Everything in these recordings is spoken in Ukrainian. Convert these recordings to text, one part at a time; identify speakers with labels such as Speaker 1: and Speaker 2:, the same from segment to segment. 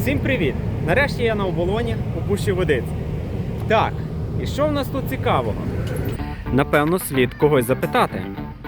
Speaker 1: Всім привіт! Нарешті я на оболоні у Пущі Водиць. Так, і що в нас тут цікавого? Напевно, слід когось запитати.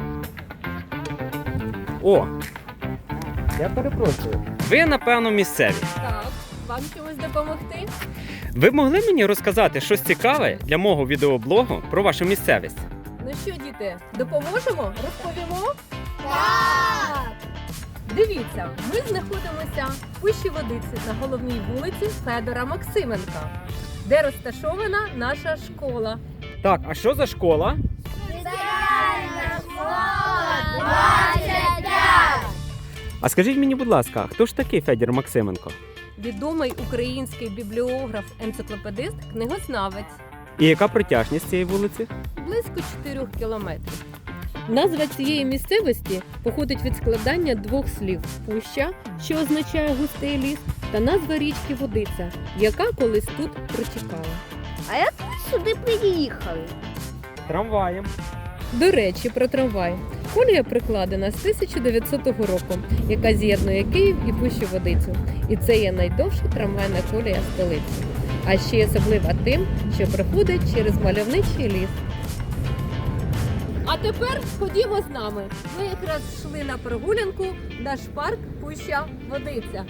Speaker 1: О! Я перепрошую. Ви, напевно, місцеві.
Speaker 2: Так, вам чимось допомогти?
Speaker 1: Ви б могли мені розказати щось цікаве для мого відеоблогу про вашу місцевість?
Speaker 2: Ну що, діти, допоможемо? Розповімо?
Speaker 3: Так!
Speaker 2: Дивіться, ми знаходимося в Пущі Водиці на головній вулиці Федора Максименка, де розташована наша школа.
Speaker 1: Так, а що за школа?
Speaker 3: Спеціальна школа 25!
Speaker 1: А скажіть мені, будь ласка, хто ж такий Федір Максименко?
Speaker 2: Відомий український бібліограф, енциклопедист, книгознавець.
Speaker 1: І яка протяжність цієї вулиці?
Speaker 2: Близько 4 кілометрів. Назва цієї місцевості походить від складання двох слів «пуща», що означає густий ліс, та назва річки Водиця, яка колись тут протікала.
Speaker 3: А як ви сюди приїхали?
Speaker 1: Трамваєм.
Speaker 2: До речі, про трамвай. Колія прикладена з 1900 року, яка з'єднує Київ і Пущу Водицю. І це є найдовша трамвайна колія столиці. А ще й особлива тим, що проходить через мальовничий ліс. А тепер ходімо з нами. Ми якраз йшли на прогулянку в наш парк Пуща Водиця.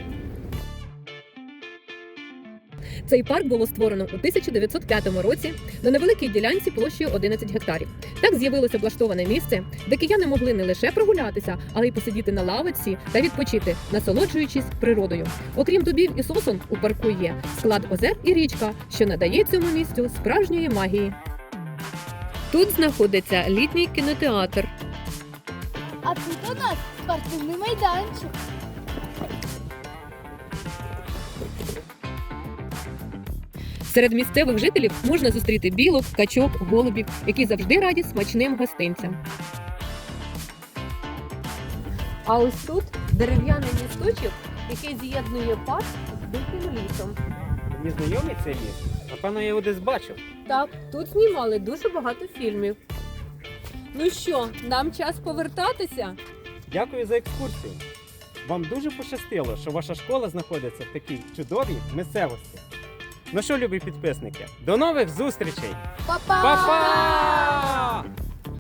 Speaker 2: Цей парк було створено у 1905 році на невеликій ділянці площею 11 гектарів. Так з'явилося облаштоване місце, де кияни могли не лише прогулятися, але й посидіти на лавочці та відпочити, насолоджуючись природою. Окрім дубів і сосен, у парку є склад озер і річка, що надає цьому місцю справжньої магії. Тут знаходиться літній кінотеатр.
Speaker 3: А тут у нас спортивний майданчик.
Speaker 2: Серед місцевих жителів можна зустріти білок, качок, голубів, які завжди раді смачним гостинцям. А ось тут дерев'яний місточок, який з'єднує парк з диким лісом.
Speaker 1: Мені знайомий цей ліс? Напевно, я його десь бачив.
Speaker 2: Так, тут знімали дуже багато фільмів. Ну що, нам час повертатися?
Speaker 1: Дякую за екскурсію. Вам дуже пощастило, що ваша школа знаходиться в такій чудовій місцевості. Ну що, любі підписники, до нових зустрічей!
Speaker 3: Па-па!
Speaker 1: Па-па!